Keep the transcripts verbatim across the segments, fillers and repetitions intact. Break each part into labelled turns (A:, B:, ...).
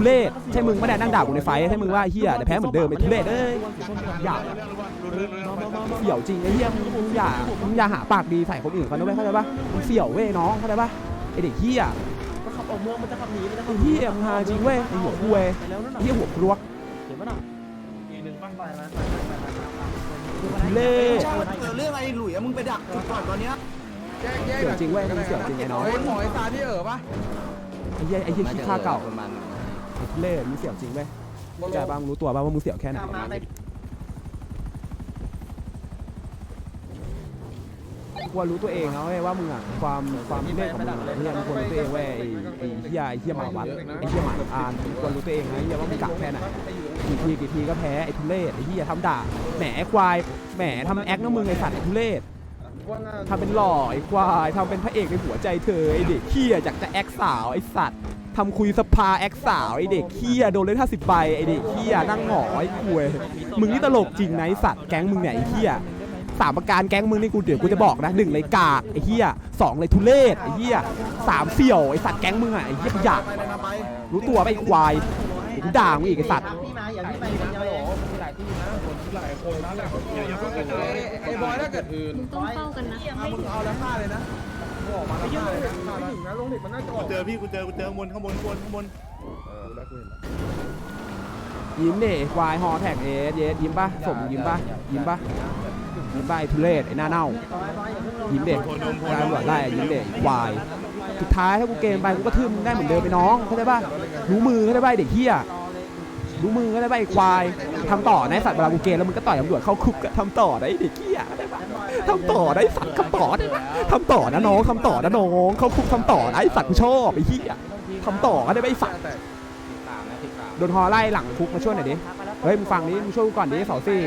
A: เรศใช่มึงไม่ได้นั่งด่ากูในไฟใช่มึงว่าเฮียแต่แพ้เหมือนเดิมไอ้ทุเรศเอ้ยอย่าเสี่ยวจริงไอ้เฮียมึงอย่ามึงอย่าหาปากดีใส่คนอื่นเขาด้วยเข้าใจปะมึงเสี่ยวเว้ยน้องเข้าใจปะไอเด็กเฮียมันขับออกเมืองมันจะขับหนีมันจะขับเฮียมึงหาจริงเว้ยไอหัวคุยเฮียหัวครัวเห็นปะน่ะอีหนึ่งบ้างไปนะเล่
B: เรื่องไอ้หลุยมึงไปดักจุดก่อนตอนเนี้ย
A: เสี่ยวจริงเว้ยมึงเสี่ยวจริงไอ้น้อง
C: หมอยตาที่เอ๋อปะ
A: ไอ้เฮียไอ้เฮียขี้ข้าเก่าไอ้เล่มึงเสี่ยวจริงเว้ยเข้าใจบ้างรู้ตัวบ้างว่ามึงเสี่ยวแค่ไหนควรรู้ตัวเองนะเว้ยว่ามึงอ่ะความความเล่นของมึงเฮียมึงควรรู้ตัวเองเว้ยไอ้ไอ้เฮียไอ้เฮียหมาวัดไอ้เฮียหมาอ่านควรรู้ตัวเองนะเฮียว่ามึงกะแค่ไหนกี่ทีกี่ทีก็แพ้ไอ้ทุเรศไอ้เฮียทำด่าแหมควายแหมทำแอคนะมึงไอ้สัตว์ไอ้ทุเรศทำเป็นหล่อไอ้ควายทำเป็นพระเอกในหัวใจเธอไอ้เด็กเฮียอยากจะแอคสาวไอ้สัตว์ทำคุยสภาแอคสาวไอเด็กเฮียโดนเล่นห้าสิบใบไอเด็กเฮียนั่งหงอไอ้คุยมึงนี่ตลกจริงนะไอสัตว์แก๊งมึงเนี่ยไอเฮียสามประการแก๊งมึงนี่กูเดี๋ยวกูจะบอกนะหนึ่งเลยกากไอเฮียสองเลยทุเรศไอเฮียสามเสี่ยวไอสัตว์แก๊งมึงอ่ะไอเฮียขยะรู้ตัวไปควายกูด่ามึงอีกไอสัตว์
C: ไอ้บอยถ้าเกิด
D: มึงต้องเฝ้ากันนะ
C: มึงเอาแล้วฆ่าเลยนะออกมาแล้วฆ่าเลยนะนะลงเด็กมันน่าจะออก
B: เจอพี่กูเจอกูเจอข้างบนข้างบนข้างบนข้างบน
C: เออแล้วกูเห็นแล้ว
A: ยิ้มเด็กควายฮอแท็กเอสเยสยิ้มป่ะสมยิ้มป่ะยิ้มป่ะยิ้มป่ะไอทุเรศไอหน้าเน่ายิ้มเด็กการตำรวจไล่ยิ้มเด็กควายสุดท้ายถ้ากูเกมไปกูก็ทื่มได้เหมือนเดิมไปน้องเข้าใจป่ะรู้มือเข้าใจป่ะเด็กเฮียรู้มือเข้าใจป่ะไอควายทำต่อในสัตว์เวลากูเกมแล้วมึงก็ต่อยตำรวจเข้าคุกทำต่อได้เด็กเฮียเข้าใจป่ะทำต่อได้สัตว์ทำต่อได้ทำต่อนะน้องทำต่อนะน้องเข้าคุกทำต่อไอสัตว์กูชอบไอเฮียทำต่อก็ได้ไอสัตว์โดนฮอไล่หลังคุกมาช่วยหน่อยดิเฮ้ยมึงฟังนี้มึงช่วยกูก่อนดิเสาซี่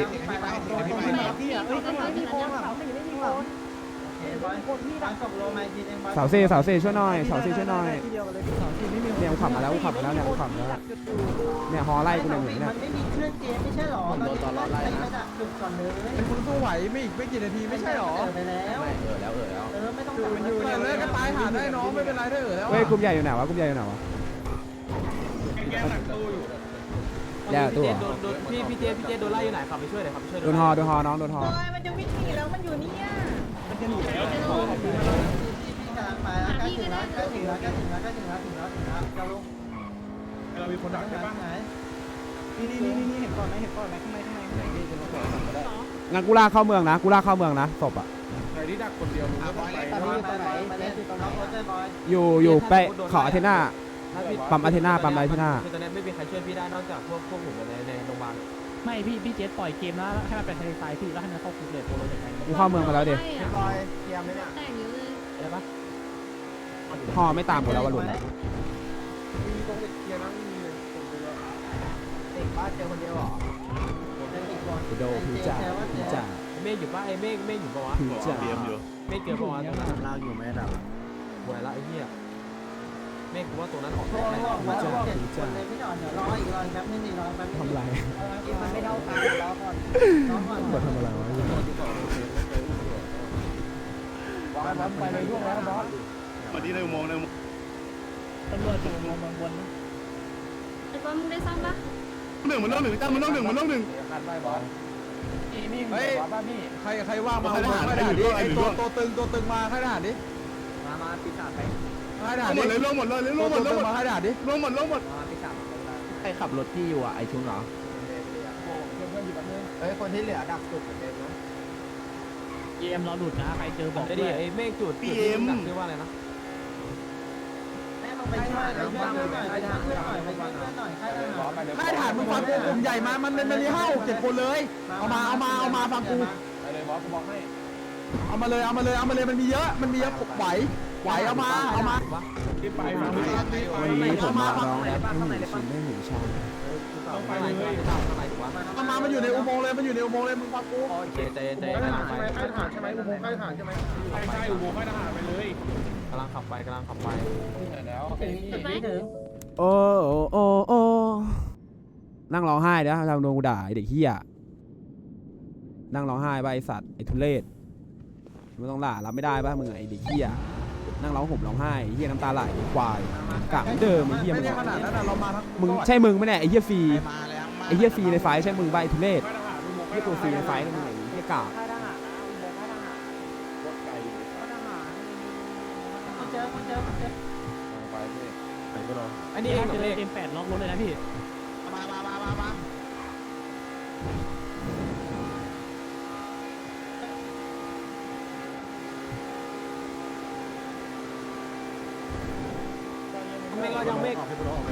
A: เสาซี่เสาซี่ช่วยหน่อยเสาซี่ช่วยหน่อยเนี่ยกูขับมาแล้วกูขับมาแล้วเนี่ยกูขับมาแล้วเนี่ยฮอไล่กูเนี่ยเนี่ย
E: มันไม่มีเครื่องเกมไม่ใช่หรอตอนนี้ต้องใช้ระดับจุดก่อนเลย
C: เป็นคุณสู้ไหวไม่อีกไม่กี่นาทีไม่ใช่หรอ
E: ไปแล้ว
C: เออแล้วเออแล้ว
E: เออไม่ต้อง
C: มันอยู่เนี่ยเลยก็ตายหาได้น้องไม่เป็นไรได้เออแล้ว
A: เฮ้ยกลุ่มใหญ่อยู่ไหนวะกลุ่มใหญ่อยู่ไหนวะแย่ตัว
F: พี่พี่เจพี่เจโดนไล่อยู่ไหนขับไปช่วยเลยครับไปช่วย
A: โดนฮอโดนฮอน้องโดนฮอ
E: มันจะวิ่งหนีแล้วมันอยู่เนี่ยมันจะหนีแล้วพี่กำลังไปแล้วใกล้ถึงแล้วใกล้ถึงแล้วใกล้ถึงแล้วใกล้ถึงแล้วถึงแล้วถึงแล้วจะลง
C: เรามีคนดักใช่ปะ
E: นี่นี่นี่นี่เห็นก่อนไหมเห็นก่อนไหมข้างในข้างในข้างในนี่จะลงก่อนก็ได้
A: งั้นกูลากเข้าเมืองนะกูลากเข้าเมืองนะศพอ่ะ
C: ใครที่ดักคนเดียวมึงก็ต้องไป
A: อยู่อยู่ไปขออาเทน่าปั๊มอาเทน่าปั๊มอาเทน่า
F: คือตอนนี้ไม่มีใครช่วยพี่ได้นอกจากพวกพวกผมในในโรงพยาบาล
G: ไม่พี่พี่เจสปล่อยเกมแล้วให้มันเป็นทะเลทรายพี่แล้วให้มันเข้าคุกเลยโปรโลเด็กไง
A: กูเข้าเมืองมาแล้วดิ
E: ลอยเกียร์ไม่ได้
D: แต่งเยอะเลย
F: อะไรปะ
A: ฮอไม่ตามกูแล้ววะหลุด
C: มีตรงเกียร์นั่งมีเลยผมดูแล้ว
E: เด็กบ้านเจอคนเดียวหรอ
A: กูโดนผิวจ่าผิวจ่า
F: เมฆอยู่ป่ะไอ้เมฆเมฆอยู่ป่ะวะ
A: ผิวจ่า
F: เมฆเกิดป่ะวะตรงนั้น
B: ลากอยู่ไม่ดับ
F: หวยละไอ้เหี้ยเมฆกูว่าตรงนั้นออก
E: โอ้โหมันจะเจ็ดคนเลยพี่หน่อยเดี๋ยวรออีกรอแป๊บนึงนี่รอแป๊บนึง
A: ทำไร
E: มันไม่เท่ากันรอก่อนรอก่อน
A: มาทำอะไรวะ
C: บอสไปเลยร่วงแล้วบอส
B: มาที่ในอุโมงค์ในอุโมงค์
G: ตำรวจอยู่มองบนบน
D: ไอ้บอลมึงได้ซ่อมปะ
B: หนึ่งมันต้องหนึ่งจ้ามันต้องหนึ่งมันต้องหนึ่ง
C: คันไปบอสนี่นี่เฮ้ยใครใครว่างมาใครทหารดิไอตัวตัวตึงตัวตึงมาใครทหารดิ
E: มามาปีศาจไป
C: ใครทหารดิ
B: เลยลงหมดเลยลงหมดลงหมด
C: มาใครทหารดิ
B: ลงหมดลงหมด
E: ปีศาจ
A: ใครขับรถที่อยู่อ่ะไอชุนเหรอ
E: เฮ้ยคนที่เหลือดักจุดเต็มนะ
G: เกมเราหลุดนะใครเจอบอก
F: ได้ดิไอ้เมฆจุดพี่เอ็มชื่อว่าอะไรนะ
E: แม่ลงไปช่วยไปช่วยหน่อยไปช่วยหน่อยไปช่วยหน่อยใครทหาร
C: ใครทหารมึงฟังกูกลุ่มใหญ่มามันมันมีห้าหกเจ็ดคนเลยเอามาเอามาเอามาฟังกู
F: ไปเลยบอสกูบอกให้
C: เอามาเลยเอามาเลยเอามาเลยมันมีเยอะมันมีเยอะไหวไหวเอามาเอามา
A: ไปวันนี้ผมมาน้องแอปให้หนูชิมให้หนูชา
F: ไปเลย
C: เอามามันอยู่ในอุโมงค์เลยมันอยู่ในอุโมงค์เลยมึงฟังกู
F: เจเจเจ
C: ใครทหารใช่ไหมใครทหารใช่ไหมอุโมงค์ใครทหารใช่ไหมใช่ใช่อุโมงค์ใครทหารไปเลย
F: กำลังขับไปกำลังขับไป
C: แล้ว
A: โอ้โอ้โอ้นั่งร้องไห้เดี๋ยวทำโดนกูด่าไอเด็กเฮียนั่งร้องไห้ไปไอสัตว์ไอทุเรศไม่ต้องด่ารับไม่ได้ป่ะมึงไอเด็กเฮียนั่งร้องห่มร้องไห้ไอ้เหี้ยน้ำตาไหลควายกะเหมือนเดิมไอ้เหี้ย
C: ไม่
A: มึง
C: ได้ขนาดนั้นเรามาทั้ง
A: มึงใช่มึงไหมเนี่ยไอ้เหี้ยฟรีไอ้เหี้ยฟรีในไฟใช่มึงใบทุเรศไอ้เหี้ยตัวฟรีในไฟนั่นมึงไอ้เหี้ยกะ
E: ค่ายทหารนะอุโมงค์ค่ายทหารรถไกลค่ายทหารคุณเจอคุณเจอคุณเจอ
G: อันนี้เองเจอเอ็มแปดล็อกรถเลยนะพี่
C: มามามามามา
G: ไม่ก็ยังไม่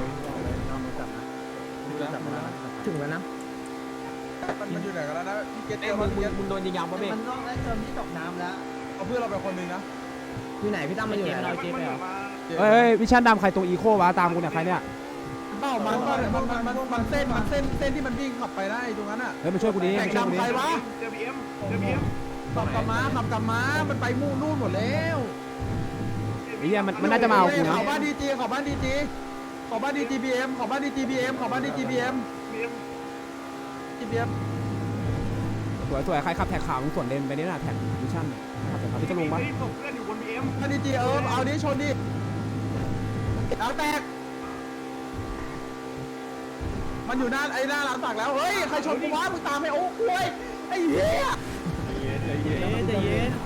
G: ถึงแล้วนะ
C: มันมันอยู่ไหนกันแล้วนะพี่เกต
G: เอ้
C: เจ
G: ย
C: อ
G: มึ
C: มัน
G: งมึงโดนยิงยางปะเบ้
E: มันต้องได้เติมที่ตกน้ำแล้ว
C: เอาเพื่อนเราไปคนนึงนะ
G: อยู่ไหนพี่ตั้มมาอยู่ไหนเราเจ๊ไปอ่ะ
A: เอ้ยวิชั่นดำใครตรงอีโควะตามกูเนี่ยใครเนี่ย
C: เป้ามันมันมันมันมันเส้นมันเส้นเส้นที่มันวิ่งขับไปได้ตรงนั้นอ่ะ
A: เฮ้ยมาช่วยกูดิ
C: แข่ง
A: มาช่วยกู
C: ดำ
A: ดิ
C: ใครวะ
B: เจอพีเอ็มเจอพีเอ็ม
C: ขับกลับมาขับกลับมามันไปมู่นู่นหมดแล้ว
A: ไอ้เหี้ยมันมันน่าจะมาเอากูนะ
C: ขอบ้านดีจีขอบ้านดีจีขอบ้านดีจีบีเอ็มขอบ้านดีจีบีเอ็มขอบ้านดีจีบีเอ็ม
B: พีเอ็ม
C: จีบีเอ็ม
A: สวยสวยใครขับแท็กขาวมึงส่วนเลนไปนี่น่ะแท็กวิชั่นขับแท็กขาวพี่จะลงปะ
B: ส่งเพื่อนอยู่บนพีเอ็ม
C: บ้านดีจีเออเอาดิชนดิเอาแตกมันอยู่หน้าไอ้หน้าร้านสักแล้วเฮ้ยใครชนกูวะมึงตามไปโอ้คุยไอ้เหี้ย
G: ใจเย็นใจเย็น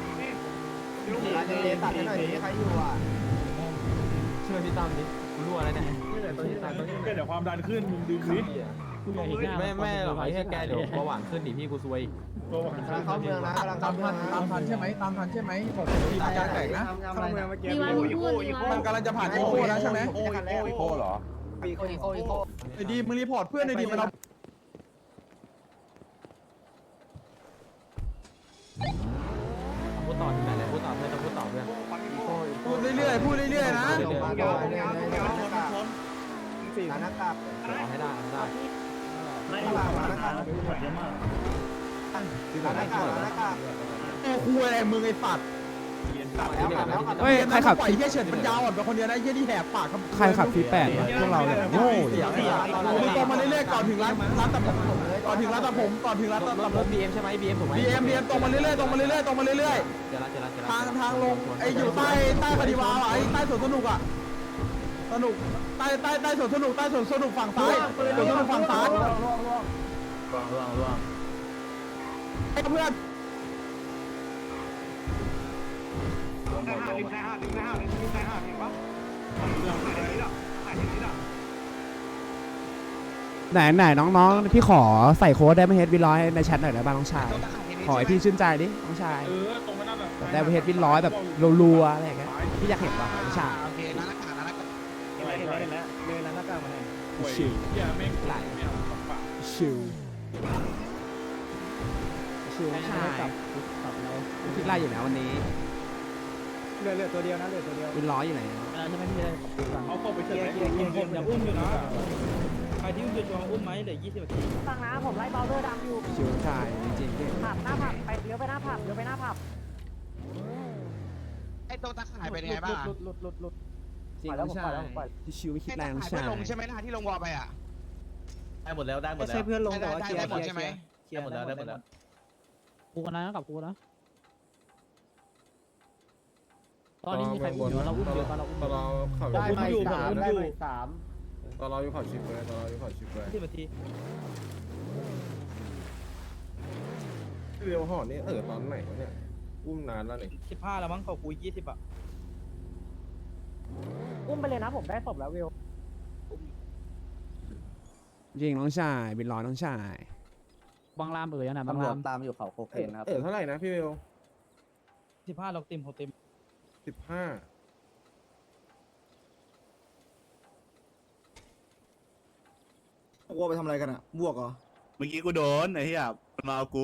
E: ตัดให้หน่อยดิใครอยู่อ่ะ
G: ช่วยพี่ตั้มดิกูรู้อะไรเนี่ย
B: เดี๋ยวความดันขึ้นมึงดึงนิด
G: กูอยากเห็นหน้า
F: ไม่ไม่หรอกไอ้แค่แกเดี๋ยวเบาหวานขึ้นดิพี่กูซวย
E: กำลังเข้าเมืองนะกำลัง
C: ตา
E: เข้าม เมื
C: ทั
E: อง
C: น
E: นะ
C: ตามทันใช่ไหมตามทันใช่ไหมผมมีประการแตกนะ
E: ทำอะไรนะ
D: มีวันมึงพูดมีวั
C: มัน นกำลังจะผ่านโอโคแล้วใช่ไหม
E: โอ้ยโอ้ยโอ้เหรออีโคอีโคอีโค
C: ไอ้ดีมึงรีพอร์ตเพื่อนไอ้ดีมันเรา
F: พูดต่อที่ไหนเลยพูดต่อเพื่อนต้องพูดต่อเพื่อน
C: พูดเรื่อยๆพูดเรื่อยๆนะ
E: ร้านหน้ากาก
F: เอาให้ได้ให้ได้
E: ร้านหน้ากากร้านหน้ากากร้านหน้ากากร้านหน้ากาก
C: โอ้คุยอะไรมึงไอ้ปัด
E: แล้วขับแล้วขับ
A: เฮ้ยใครขับ
C: ปล่อยเหี้ยเฉิดมันยาวอ่อนไปคนเดียวนะเหี้ยที่แหกปาก
A: ใครขับฟีแปดวะพวกเราเนี่ยโง่
C: เสียงมึงตรงมาเรื่อยๆก่อนถึงร้านร้านตัดผมก่อนถึงร้านตัดผมก่อนถึงร้านตัด
F: ร
C: ผ
F: ถ
C: ม
F: บีเอ็มใช่ไหมบีเอ็มถูกไหม
C: บีเอ็มบีเอ็มตรงมาเรื่อยๆตรงมาเรื่อยๆตรงมาเรื่อย
F: เจอละเจอละเจอ
C: ๆ
F: ละ
C: ทางทางลงไอ้อยู่ใต้ใต้คดีวาวไอ้ใต้สวนสนุกอ่ะสนุกใต้ใต้ใต้สวนสนุกใต้สวนสนุกฝั่งซ้ายสวนสนุกฝั่งซ้าย
F: ร่วงร่วงร่วง
C: ไอ้เพื่อน
B: ได้ห้าลิงได้ห้าลิงได้ห้าลิงได้ห้าเห็นปะเรื่องไหนนี่ล่ะไหนนี่ล่ะ
A: ไหนไหนน้องๆพี่ขอใส่โค้ดได้ไหมเฮดวินร้อยในแชทหน่อยได้บ้างน้องชายขอให้พี่ชื่นใจดิน้องชาย
B: เออตรงนั้นแบบ
A: ได้เฮดวินร้อยแบบรัวๆอะไรอย่างเงี้ยพี่อยากเห็นป่ะน้องชาย
C: โอเคร้านอาหารร้านอาหาร
B: เห็นแล้วเลยร้านหน้ากากมาไหน
A: ชิว
B: อย่าแม่ง
A: ไหล
B: ไม่เอาปาก
A: ชิวชิวน้องชายคิดไล่อยู่นะวันนี้
G: เหลือเหลือตัวเดียวนะเหลือตัวเดียว
A: วินร้อยอยู่ไหน
G: ใช่ไหมพี่เลย
B: เอาเข้าไปเถอะ
G: เกียร์เกียร์เกียร์อย่าอุ้มอยู่นะใครที่อุ้มจะจองอุ้มไหมเหลือยี่สิบนาที
E: ฟังนะผมไล่เบลเลอร์ดำอยู่
A: ชิวน้องชายจริงๆพี่
E: ผับหน้าผับไปเลี้ยวไปหน้าผับเลี้ยวไปหน้าผับ
C: ไอ้ตรงตะข่ายเป็นไงบ้าง
G: หลุดหลุดหลุดหลุด
A: จริงน้องชายพี่ชิวไม่คิดแรงน้องชาย
C: ลงใช่ไหมนะที่ลงวอลไปอ่ะ
F: ได้หมดแล้วได้หมด
G: ไม่
F: แล้ว
G: ใช่เพื่อนลงแต่ว่าเคลียร์
C: ได้หมดใช่ไหม
F: ได้หมดแล้วได้หมดแล้ว
G: กูกันนะกับกูนะตอนนี้มีใครอุ้มอยู่เราอุ้มเยอะป่ะเราอุ้ม
H: ตอนเราขับ
G: ได้ไหมสามได้ไหมสาม
H: ตอนเราอยู่เขาชิปเลยตอนเราอยู่เขาชิปเลย
G: สิบนาที
H: เรียวห่อนี่เออตอนไหนวะเนี่ยอุ้มนานแล้วนี่
G: สิบห้าแล้วมั้งเขากูยี่สิบอ่ะ
E: อุ้มไปเลยนะผมได้ศพแล้ววิว
A: จริงน้องชายวินร้อยน้องชาย
G: บางรามเอ๋ยนะบางราม
E: ตามอยู่เขาโคเคนครับ
H: เออเท่าไหร่นะพี่เวล
G: สิบห้าเราเต็มเขาเต็ม
H: สิบห้า
I: วัวไปทำอะไรกันอ่ะ บวกเหรอ
B: เมื่อกี้กูโดนไอ้เหี้ยมันมาเอากู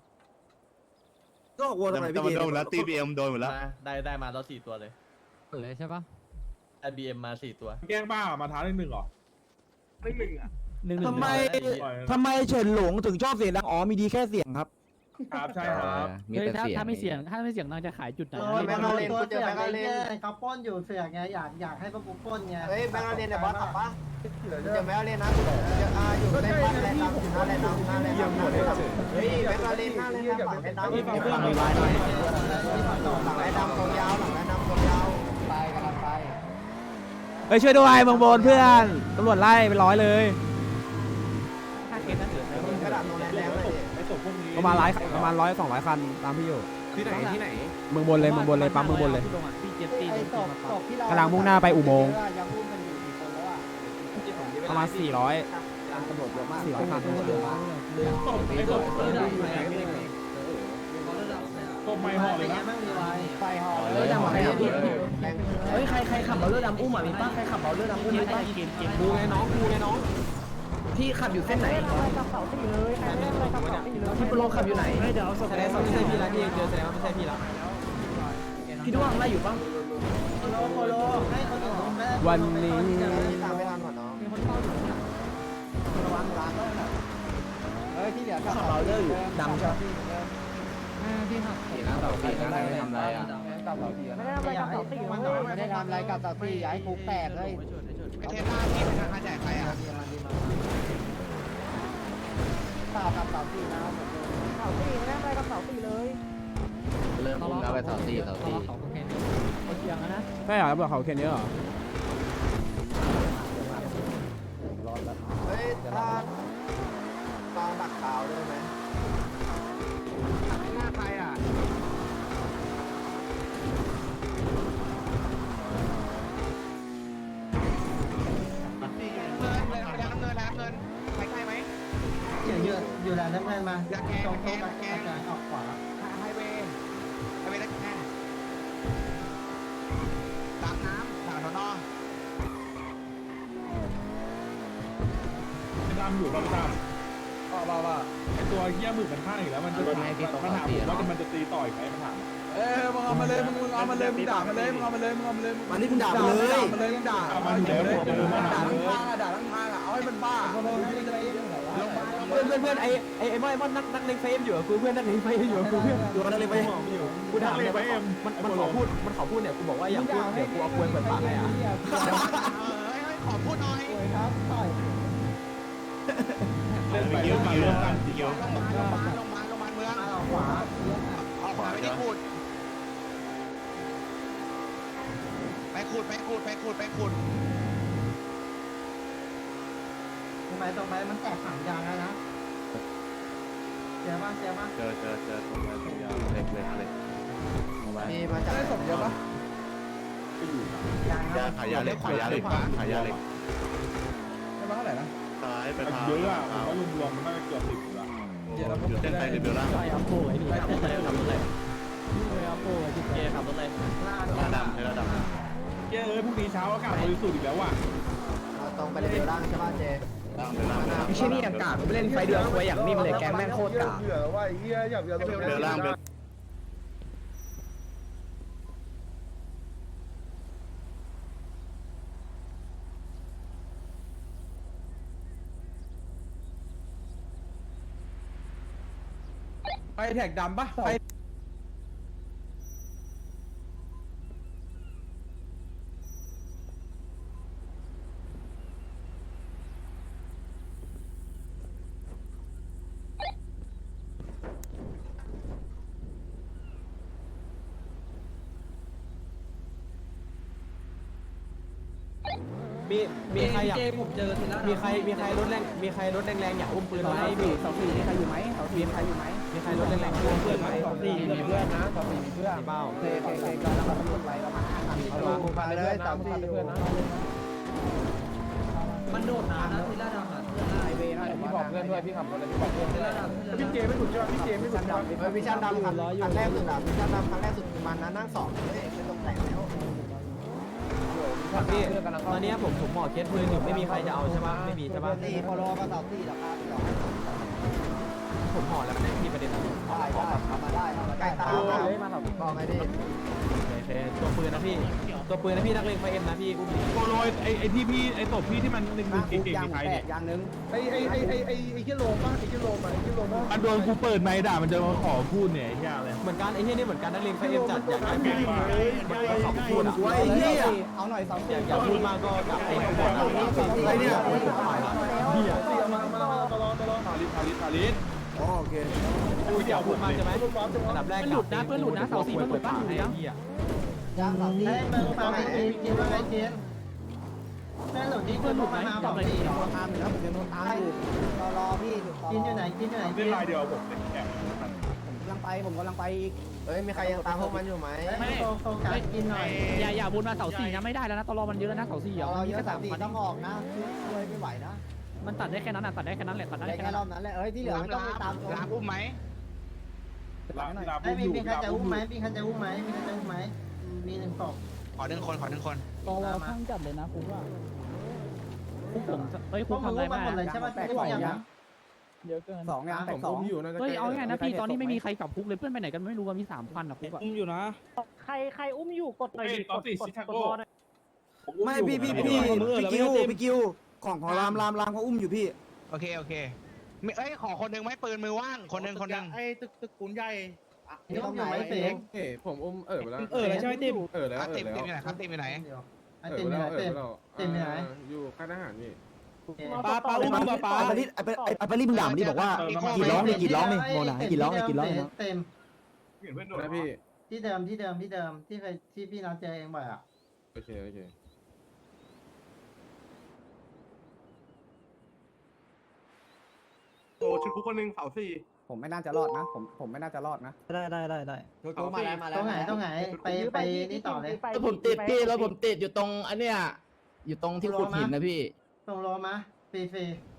I: ก็วัวทำ
B: แต่
I: อะไร
B: แต่
I: พี่
B: มัน
I: เก
B: โดนแล้วตีบีเอ็มโดนหมดแล้ว
F: ได้ได้มาแล้วสี่ตัวเลย
G: เอ๋ยใช่ปะ
F: ได้บีเอ็มมาสี่ตัว
B: แกล้งบ้ามาท้าหนึ่งหนึ่งหรอไม่หนึ่งอ่ะ
G: หนึ่งหนึ่ง
I: ทำไมทำไมเฉินหลงถึงชอบเสียงดังอ๋อมีดีแค่เสียงครับ
B: ครับใช่ครับ
G: เฮ้ยถ้าถ้าไม่เสียงถ้าไม่เสียงนางจะขายจุดไหน
E: โอ้ยแบงค์เราเล่นกูเจอแบงค์เราเล่นเขาป้นอยู่เสือกไงอยากอยากให้พวกกูป้นไงเฮ้ยแบงค์เราเล่นเนี่ยบอสขับปะเจอแบงค์เราเล่นนะจะอาอยู่ในบ้านแลนด์น้ำอยู่หน้าแลนด์น้ำหน้าแลนด์น้ำเฮ้ยแบงค์เราเล่นหน้าแลนด์น้ำฝั่งแลนด์น้ำฝั่งแลนด์น้ำหลังแลนด์น้ำตรงยาวหลังแลนด์น้ำตรงยาว
A: เฮ้ยช่วยด้วยเมืองบนเพื่อนตำรวจไล่เป็นร้อยเลย
G: ถ้าเคสนั้นเหลือ
E: มึงกระดาษตรงนั้นแล้วเลย
H: ไอ้ศพพวกนี้
A: ประมาณร้อยประมาณร้อยสองร้อยคันตามพี่อยู่
H: ที่ไหนที่ไหน
A: เมืองบนเลยเมืองบนเลยปั๊มเมืองบนเลย
G: พี่เจ็ดตี
E: ไอ้ศพศพที่เรา
A: กำลังมุ่งหน้าไปอุโมงค์
E: ยังพุ่งกันอยู่กี่คนแล้วอ่ะ
A: ประมาณสี่ร้อย
E: ตำรวจเยอะมาก
A: สี่ร้อยคัน
E: เยอะมาก
H: ไอ้ศพไอ้ศพอยู่ไหนศพไม่ห่อเลยนะ
E: ไม่มีไว้ไฟห่อ
C: เลือดดำอะไรอ่ะ
E: เฮ้ยใครใครขับเอาเลือดดำอุ้มอ่ะมีป้าใครขับเอาเลือดดำอุ้มมีป้า
G: เกมเกม
A: กูไงน้องกูไงน้อง
E: พี่ขับอยู่เส้นไหนพี่โปรขับอยู่ไหน
G: เดี๋ยว
A: แสดงว่าไม่ใช่พี่ละที่เจอแสดงว่าไม่ใช่พี่ละ
E: พี่ด้วงไล่อยู่ป่ะโลโคโลให้เขาถึง
A: วันนี้
E: ตามไม่ทันหมดน้องมีคนเฝ้าอยู่ระวังร้านด้วยนะเฮ้ยที่เหลือขับเอาเลือดอยู่ดำใช่ไหม
G: ที่หัก
C: ปีนะต่อปีนะไม่ทำอะไรอ่ะ
E: ไม่ได้ทำอะไรกับเสาสี่ไม่ได้ทำอะไรกับเสาสี่ย้ายคุกแตกเลย
B: ไอเทมหน้าที่เป็นทางแจกใครอ่ะ
E: เปล่ากับเสาสี่นะเสาสี่ไม่ได้ทำอะไรกับเสาสี่เลย
C: เริ่มอุ้มแล้วไปต่อตีต่อตี
G: เขาแค่นี้เขาเชียงนะ
A: ใช่เหรอตำรวจเขาเคนเยอะเหรอ
E: เฮ้ยถ้าตองดักขาวได้ไหม
B: หน้าใครอ่ะ
E: อยู่อยู่อยู่แล้วน้ำเงินมาตรงโต๊ะแกงออกขวา
B: ไฮเวย์ไฮเวย์ตะแคงตามน้ำทางถนน
H: ดำอยู่ดำดำว่าว่าว่าไอ้ตัวเหี้ยหมึกมันฆ่าอีกแล้วมันจะมันมันถามผมว่ามันจะตีต่อยไหมมันถาม
C: เอ้ยมึงเอามาเลยมึงมึงเอามาเลยมึงด่ามาเลยมึงเอามาเลยมึงเอามาเลยมันนี่มึงด่ามาเลยด่ามาเลยมึงด่า
H: เอามาอยู่แล้วผมเลยมา
C: ด่า
H: ถาม
C: ทั้ง
H: เลย
C: ทางอ่ะด่าทั้งทางอ่ะเอาให้มันบ้า
A: เพื่อนเพื่อนเพื่อนไอไอไอมอนมอนนักนักเลงเฟมอยู่กับกูเพื่อนนักเลงเฟมอยู่กับกูเพื่อนอยู่กับนักเลงเฟมกูถามเลยมันมันขอพูดมันขอพูดเนี่ยกูบอกว่าอย่าพูดเดี๋ยวกูเอาควยเปิดปากให้อ่ะ
B: เฮ้ยขอพูดหน่อย
E: ครับต่อย
H: เล่นไปเล่นมาเรื่องกันเกี่ยว
B: ลงมาลงมาลงมาลงมาเมือง
E: ออกขวา
B: ออกขวาไปที่ขูดไปขูดไปขูดไปขูดไปขูด
E: ตรงไปตรงไปมันแตกสามยางแล้วนะเสียบ้างเสียบ้าง
C: เจอเจอเจอตรงนั้นตรงยาวเล็กเล็กเล็ก
E: มีมาจากได้สมเยอะปะยาง
C: ยาขายยาเล็กขายยาเล็กขายยาเล็ก
H: ไม่มาเท่าไหร่นะ
C: ซ้ายไปทาง
H: เยอะอ่ะผมว่ารวมๆมันน่าจะเกือบสิบละ
C: อยู่เส้นไทยเรเบลล่าง
G: ใช่อัพโป้ไอ้นี่ขับรถเลยขับรถเลยอัพโป้ไอ้ที่เกขับรถเลย
C: ลาดำใช่ลาดำ
H: เย้เอ้ยพรุ่งนี้เช้าอากาศบริสุทธิ์อีกแล้วว่ะ
E: ตรงไปเลเวลล่างใช่ป่ะเจ
C: ล่างเบลล่าง
A: ไม่ใช่นี่อากาศผมเล่นไฟเดือดควยอย่างนี้มาเลยแกแม่งโคตรกาก
H: เบื่อว่าไอ้เหี้ยอยากจะ
C: เบลล่างเบล
A: ไปแท็กดำปะไป มีมีใครอยากผมเจอทีละมีใครมีใครรถแรงมีใครรถแรงๆอยากอุ้มปืนไหมมีสองสี่มีใครอยู่ไหมสองสี่มีใครอยู่ไหมมีใครรถแรงๆอุ้มปืนไหมสองสี่มีเพื่อนนะสองสี่มีเพื่อนเปล่าเคเคเคก็แล้วก็พูดไว้ประมาณห้าคันเอาดูมาเลยสองสี่เพื่อนนะมันโดดน้ำนะทีละดำอ่ะไอเวนะพี่บอกเพื่อนด้วยพี่ขับรถเลยพี่บอกเพื่อนทีละดำ
H: พี่เจไม่ถูกใช่ป่ะพี่เจไม่ถูก
E: ดำเฮ้ยวิชั่นดำคันคันแรกสุดอ่ะวิชั่นดำคันแรกสุดมันนะนั่งสองเฮ้ยไม่ต้องแต่งแล้ว
A: พี่ตอนนี้ผมผมหมอเคสปืนอยู่ไม่มีใครจะเอาใช่ปะไม่มีใช่ปะ
E: ตีพอรอก็สาวตีราคาที่เรา
A: ผมห่อแล้วนะพี่ประเด็นนะ
E: ได้ได้ทำมาได้ใกล้ตามาถกองไงดิ
A: โอเคตัวปืนนะพี่ตัวปืนนะพี่นักเลงไฟเอ็มนะพี่อุ้ม
H: โปโรไอ้ไอ้ที่พี่ไอ้ตบพี่ที่มันหนึ่งหนึ่งเก่งๆมีใครเนี่ย
E: อย่างนึง
H: ไอ้ไอ้ไอ้ไอ้ไอ้ไอ้เหี้ยโลมป่ะไอ้เหี้ยโลมอ่ะไอ้เหี้ยโลมมันโดนกูเปิดไมค์ด่ามันจะมาขอพูดเนี่ยไอ้เหี้ยอะไร
A: เหมือนกันไอ้เหี้ยนี่เหมือนกันนักเลงไฟเอ็มจัดอยากได้
H: เก่งมากเลย
A: ขอบคุณอ่ะ
E: ไอ้เหี้ยเอาหน่อยสอง
A: อยากอยากพูดมากก็กลับไปก่อนนะ
E: ไอ้เนี่ย
H: เหี้ยมามามาตลอดตลอดทาริสทาริสทาริส
A: โอเคกูอยากพูดมากใช่ไหมอันดับแรก
G: มันหลุดนะเพื่อนหลุดนะเสาสี่มันหลุดป่ะหลุดนะ
A: เหี้ย
E: ยางสองตีเปิดมาไอ้เจนว่าไงเจนแม่หลุดนี่คือมาหาบอกดิ
C: ตามอยู่นะผมยังโดนตามอยู่
E: รอรอพี่กินอยู่ไหนกินอยู่ไหน
H: เล่นลายเดียวผมเล่นแข่ง
C: ผมกำลังไปผมกำลังไปอีก
E: เฮ้ยมีใครยังตามพวกมันอยู่ไหมไม่โฟกัสกินหน่อย
G: อย่าอย่าวนมาเสาสี่นะไม่ได้แล้วนะตลอมันเยอะแล้วนะเสาสี่อ่ะ
E: เรา
G: มันมี
E: เยอะ
G: แค่
E: สา
G: สาม ม
E: สี่
G: พัน
E: ต้องออกนะช่วยไม่ไหวนะ
G: มันตัดได้แค่นั้นอ่ะตัดได้แค่นั้นแหละตัดได้
E: ได้
G: แค่
E: แค่
G: นั้น
E: รอบนั้นแหละเอ้ยที่เหลือไม่ต้องไปตาม
B: ลามอุ้มไหม
H: ลาลา
E: ไอ้
H: บุ้ม
E: มี
H: อยู่
E: มีใคร
H: ลา
E: จะ
H: บุ้
E: อุ้
H: ม
E: ม
H: อ
E: ไหม
H: ยู่
E: มีใครจะอุ้มไหมมีใครจะอุ้มไหมมีหนึ่งศพ
B: ขอหนึ่งคนขอหนึ่งคน
G: ตลอข้างจัดเลยนะคุณว่าคุกผมเฮ้ย
E: พ
G: คุ
E: ว
G: ก
E: กมึง
G: ทำอะไร
E: อุ้มมา
G: มา
E: หมดเลยใช่ไหม
C: แตก
E: ทุ
C: ส
E: ก
C: อง
E: อย่าง
C: ยัง
G: เยอะเกิน
C: สองยังแตกสอง
G: เฮ้ยเอาไงนะพี่ตอนนี้ไม่มีใครกลับคุกเลยเพื่อนไปไหนกันไม่รู้ว่ามีสามพันอ่ะคุกอ่ะ
H: อุ้มอยู่นะ
G: ใครใครอุ้มอยู่กดหน่อย
H: เฮ้ย
G: ดิ
H: ตอนสี่ชิคาโก้
I: ไม่พี่พี่พี่พี่กิวพี่กิวของของรามรามรามเขาอุ้มอยู่พี่
B: โอเคโอเคไม่เอ้ยขอคนหนึ่งไหมปืนมือว่างคนหนึ่งคนหนึ่ง
H: ไอ้ตึกตึกปูนใหญ่
E: นี่ต้องอยู่ไหมเสก
J: เอ้ผมอุ้มเออไปแล้ว
H: เออใช่ไหมติม
J: เออแล้ว
B: อ่ะ
J: เอ
B: ติ
J: อ
B: ม
J: แล้
B: ติม
J: ว
B: อยู่ไหนครับติมอยู่ไหน
E: ไอ้ติมอยู่ไหนเต็ม เต็มอยู่ไหน
J: อยู่ค่ายทหารนี่
H: ปลาปลาอุ้มปลาปลา
I: ไอ้ปาริสไอ้ปาไอ้ปาริสมึงด่ามันดิบอกว่ากี่ร้องนี่กี่ร้องนี่โมนากี่ร้องนี่กี่ร้องนี่
E: เต็ม
J: นะพี่
E: ที่เดิมที่เดิมที่เดิมที่เคยที่พี่นัดเจอเองบ่อยอ่ะ
J: โอเคโอเค
B: โอ้ชุดคุกคนหนึ่งเสาสี่
C: ผมไม่น่าจะรอดนะ ผมผมไม่น่าจะรอดนะ
G: ได้ได้ได้ได้
E: ต้องมาแล้วมาแล้วต้องไหนต้องไหนไปไปนี่ต่อเลย
I: ผมติดพี่แล้วผมติดอยู่ตรงอันเนี้ยอยู่ตรงที่ขุดหินนะพี่
E: ส่งโลมาฟรีฟรี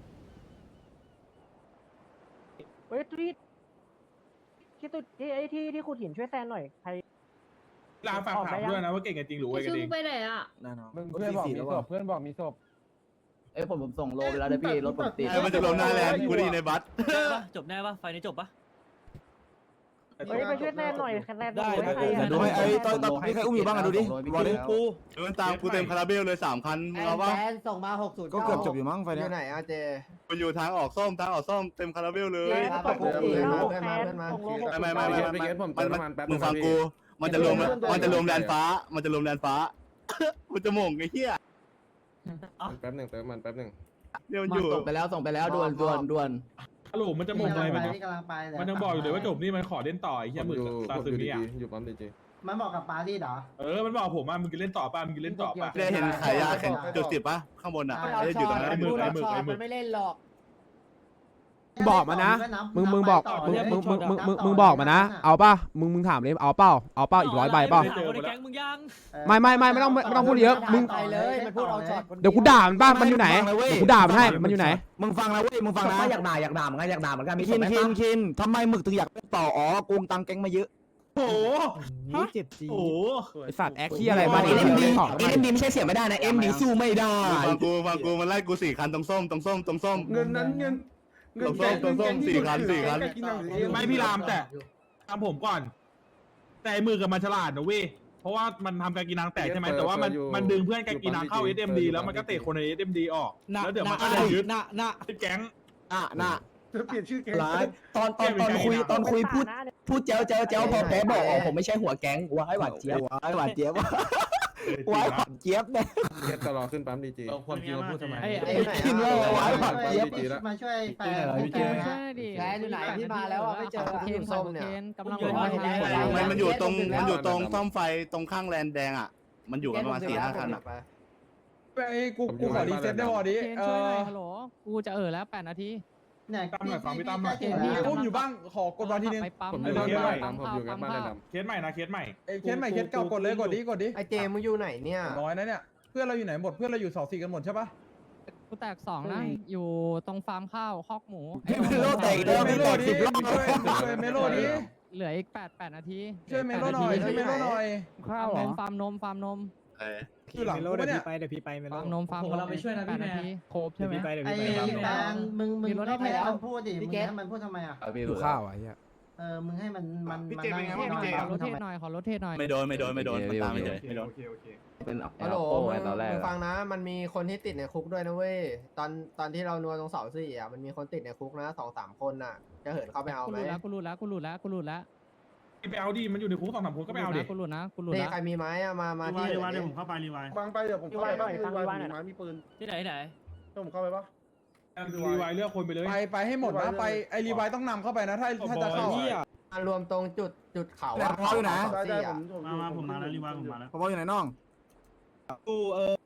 G: เฮ้ยที่ที่ตุที่ไอ้ที่ที่ขุดหินช่วยแซนหน่อยใคร
H: ลาฝากถามด้วยนะว่าเก่งกันจริงหรือไว้กัน
D: ชื่
H: เอ
D: อง ไปไหนอ่ะ
I: แน่นอน
J: เพื่อนบอกมีศพเพื่อนบอกมีศพ
I: เอ้ยผมผมส่งโลไปแล้วนะพี่รถผมติด
E: มันจะลงหน้าแลนด์กูดีในบัส
G: จบแน่ปะไฟนี้จบปะ
E: เฮ้ยไปช่วยแซนหน่อยแซน
H: ได้นะ
I: ดูไอ้ตอนตอนมีใครอุ้มอยู่บ้างอะดูดิบอลดิ
H: กู
C: มันตามกูเต็มคาราเบลเลยสามคัน
E: แอ
C: เอา
E: น
C: ปะ
E: แอนส่งมาหกศูนย์
I: ก็เกือบจบอยู่มั้งไฟ
E: อ
I: เนี้ย
E: ยู่ไหนอ่ะเจ
C: มันอยู่ทางออกส้มทางออกส้มเต็มคาราเบลเลย
E: ตกลงอีกเพื่อนมาเพื่อนมา
C: ไม่ไม่ไม่ไม่
J: ไปเกตผมเติมน้ำมันแป๊บ
C: มึงฟังกู มันจะรวมมันจะรวมแดนฟ้า มันจะรวมแดนฟ้า มันจะโม่งไอ้เหี้ย
J: แป๊บหนึ่งเติมมันแป๊บหนึ่ง
C: เดี๋ยวมัน
I: มา
C: อยู่
I: ส่งไปแล้วส่งไปแล้วด่วนด่วนด่วน
H: ฮัลโหลมันจะมงอะไรมัน
E: นี่กำลังไปเลย
H: มันยังบอกอยู่เลยว่าจบนี่มันขอเล่นต่อไอ้
J: ผ
H: เหี้ย
J: ม
H: หมึก
J: อยู่
H: ซา
J: ผม
H: ซึ
J: อยู่
H: มิ
J: ดี
H: อ่ะ
J: อยู่ปั๊มดีจี
E: มันบอกกับปารีสเหรอ
H: เออมันบอกผมว่ามึงกินเล่นต่อป่ะมึงกินเล่นต่อป่ะ
C: ได้เห็นขายยาแข่งจุดสิบปะข้างบนอ่ะได้อยู่ตรงนั้น
H: ไอ้หมึกไอ้หมึกไอ้หมึก
E: มันไม่เล่นหรอก
A: บอกมานะมึงมึงบอกมึงมึงมึงมึงมึงมึงบอกมานะเอาป่ะมึงมึงถามเลยเอาเป้าเอาเป้าอีกร้อยใบเป้า
H: เจอหมดแล้ว
A: ไม่ไม่ไม่ไม่ต้องไม่ต้องพูดเยอะมึง
E: ไปเลยมันพูดเอาช็อต
A: เดี๋ยวกูด่ามันป้ามันอยู่ไหนเดี๋ยวกูด่ามันให้มันอยู่ไหน
I: มึงฟังนะเว้ยมึงฟังนะอยากด่าอยากด่าเหมือนกันอยากด่าเหมือนกันมีคินคินคินทำไมหมึกถึงอยากต่ออ๋อโกงตังแก๊งมาเยอะ
H: โอ้โห
G: เจ็บจี
H: โอ้โห
A: ไอสัตว์แอคที่อะไรมา
I: เอ็
A: ดิ
I: มดี
A: เล่นของ
I: เอ็มดีไม่ใช่เสียไม่ได้นะเอ็มดีสู้ไม่ได้
C: ฟังกูฟังกูมันไล่กูสี่คันตรงส้มตรงส้มตรงส้ม
J: เงินนั้นเงิน
C: ตรงส้มตรงส้มสี่คันสี่คัน
H: ไม่พี่รามแต่ตามผมก่อน แต่ไอ้มือกับมันฉลาดนะเว้ยเพราะว่ามันทำการกินนางแตกใช่ไหมแต่ว่ามันมันดึงเพื่อนการกินนางเข้า เอส เอ็ม ดี แล้วมันก็เตะคนใน เอส เอ็ม ดี ออกแล้วเดี๋ยวมันก็จะยึด
G: น่ะน่ะ
H: แก๊ง
I: อ่ะน่ะ
J: จะเปลี่ยนชื่อแก
I: ร้ายตอนตอนตอนคุยตอนคุยพูดพูดเจ้าเจ้าเจ้าพอแพ้บอกอ๋อผมไม่ใช่หัวแก๊งว้ายหวานเจี๊ยบว้ายหวานเจี๊ยบว้ายหวานเจี๊ยบเนี่ย
J: เกตตลอดขึ้นปั๊มดีจี
F: ความจริงมาพูดทำไม
G: ไอ้
E: ไอ้
G: ไอ้
E: ไหน
J: มา
E: มาช่วยแฟน
G: เกมช่วยดิ
E: แฟนอยู่ไหนที่มาแล้วไม่เจอ
G: เคนส้มเนี่ยกำลัง
C: มันมันอยู่ตรงมันอยู่ตรงซ่อมไฟตรงข้างแลนแดงอ่ะ มันอยู่กันประมาณสี่ห้าคันอ่ะ
J: ไปกูกูขอรีเซ็ตได้พอดี
G: เคนช่วยหน่อยฮัลโหลกูจะเออแล้วแปดนาที
E: เนี่ย
G: อุ้มอยู่บ้างขอกดวันทีนึงไปปั๊ม
J: ผมอยู่กับบ้านดำผมอยู่กับบ้านดำ
H: เคสใหม่นะเคสใหม่
J: เคสใหม่เคสเก่ากดเลยกดดีกดดี
E: ไอเจมึงอยู่ไหนเนี่ย
J: น้อยนะเนี่ยเพื่อนเราอยู่ไหนหมดเพื่อนเราอยู่เสาสี่กันหมดใช่ปะ
G: กูแตกสองนะอยู่ตรงฟาร์มข้าวคอกหมู
I: เมโลแตกแล้ว
J: เม
I: ไม่
J: โล
I: แตก
J: ดี
I: สิบรอบ
J: ช่วยช่วยเมโลดี
G: เหลืออีกแปดแปดนาที
J: ช่วยเมโลหน่อยช่วยเมโลหน่อย
G: ข้าวหรอฟาร์มนมฟาร์มนม
J: คือหลังกูปะเนี่ย
G: ฟาร์มนมฟาร์มนมเราไปช่วยนะพี่แม่โคบใช่ไหม
E: ไอแฟนมึงมึงต้องให้มันพูดดิมึงให้มันพูดทำไมอ่ะ
A: ดูข้าวอ่ะเฮีย
E: เออมึงให้มันมัน
B: พี่
E: มัน
B: เจเป็นไงบ้างพี่เจ
G: ขอรถเทศหน่อยขอรถเทศหน่อย
C: ไม่โดนไม่โดนไม่โดนมันตามไม่โดนไม่โดน
B: โอเคโอเค
I: เป็น
E: ฮัลโหลมึงฟังนะมันมีคนที่ติดในคุกด้วยนะเว้ยตอนตอนที่เรานัวตรงเสาสี่อ่ะมันมีคนติดในคุกนะสองสามคนน่ะจะเหินเข้าไปเอา
G: กู
E: ไหม
G: หลุดแล้วกูหลุดแล้วกูหลุดแล้วกูหลุดแล้ว
H: ไปเอาดิมันอยู่ในคุกสองสามคนก็ไปเอาดิ
G: กูหลุดนะกูหลุด
E: นี่
G: แล้ว
E: ใครมีไม้อะมามาที่
B: รีวายเดี๋ยวผมเข้าไปรีวาย
J: บางไปเดี๋ยวผมเข้าไปบ้างรีวายมีไม้มีปืน
G: ที่ไหนที่ไหน
J: เดี๋ยวผมเข้าไปปะ
H: รีวายเลือกคนไปเลย
J: ไปไปให้หมดนะไปไอรีวายต้องนำเข้าไปนะถ้าถ้าจะเข้า
E: มารวมตรงจุดจุดเขา
I: แล้วพออยู่นะ
J: ได้ได้ผมผม
B: มามาผมมาแล้วรีวายผมมาแล้ว
I: พออยู่ไหนน้อง
H: กูเออ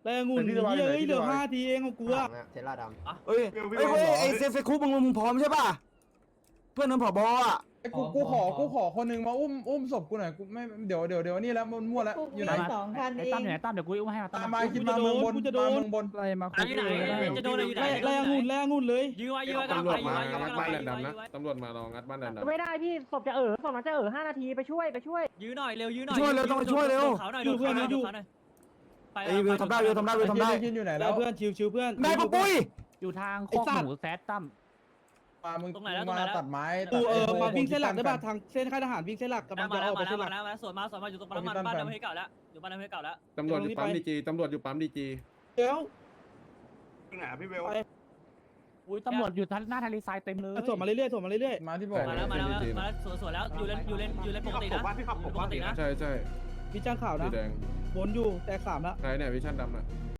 C: แต่งุ่นเยอะเหลือห้าทีเองของกูอะ
E: เทล่าดำ
I: เอ้ยเอ้ยไอ้เซฟเซคุมึงมึงพร้อมใช่ป่ะเพื่อนนั้นผบอ่ะ
J: ไอ้กูกูขอกูขอคนหนึ่งมาอุ้มอุ้มศพกูหน่อยกูไม่เดี๋ยวเดี๋ยวเดี๋ยวนี่แล้วมันมั่วแล้วอยู่ไหน
G: สองพันเอง
F: ตั้มอยู่ไหนตั้มเดี๋ยวกูอุ้มให้มาตั้
J: ตาม มมาคิดมาเมืองบนมาเมืองบน
A: อะไรมาคุย
F: อยู่ไหนจะโดนอะไรอยู่ไหน
C: แรงงุ่นแรงงุ่นเลย
F: ยื้อไว้ยื้อไว้กำลังไปยื้อไว้ยื้อไว้กำลังไปยื้อไว้ยื้อไว้
B: ตำรวจมาลองงัดบ้านดัน
G: ไม่ได้พี่ศพจะเออศพมันจะเออห้านาทีไปช่วยไปช่วย
F: ยื้อหน่อยเร็วยื้อหน่อย
I: ช่วยเร็วต้องช่วยเร็ว
F: เขาหน่อยดูเพื่อนดูเขาหน่อย
I: ไอ้วิวทำได้วิวทำได้วิวทำได้
J: คิดอยู่ไหน
C: แล้
J: แล้ว ว
C: เพื่อนชิวชิวเพื่อน
I: ได้ปะปุ้ย
F: อยู่ทางโคกหมูแซดตั้ม
J: มามึง
F: ตรงไหนแล้วตรง
J: มา
F: ไหนแล้ว
J: ตัดไม้
C: กูเออมาวิ่งเส้นหลักได้ป่ะทางเส้นค่ายทหารวิ่งเส้นหลักกำลัง
F: มา
C: จะ
F: แล้
C: อ
F: ว
C: อกไป
F: มาแล้
C: เส้
F: วน
C: หลั
F: มาก แล้วมาแล้วสวนมาสวนมาอยู่ตรงปั๊มน้ำมันบ้านน้ำเพชรเก่าแล้วอยู่บ้านน้ำเพชรเก่าแล้ว
B: ตำรวจอยู่ปั๊มดีจีตำรวจอยู่ปั๊มดีจี
C: เดี๋ยว
B: ไหนพี่เวล
F: อุ้ยตำรวจอยู่หน้าทะเลทรายเต็มเลย
C: ส่งมาเรื่อยๆส่งมาเรื่อย
J: มาที่บอก
F: มาแล้วมาแล้วมาแล้วสวนสวนแล้วอยู่เลนอยู่เลนอยู่เลนปกตินะปกตินะ
B: ใช่ใช่
C: ๆวิจารณ์ข่าว
B: สี
C: นะ
B: แดง
C: บนอยู่แต่สามแล้ว
B: ใครเนี่ยวิชั่นดำน่ะ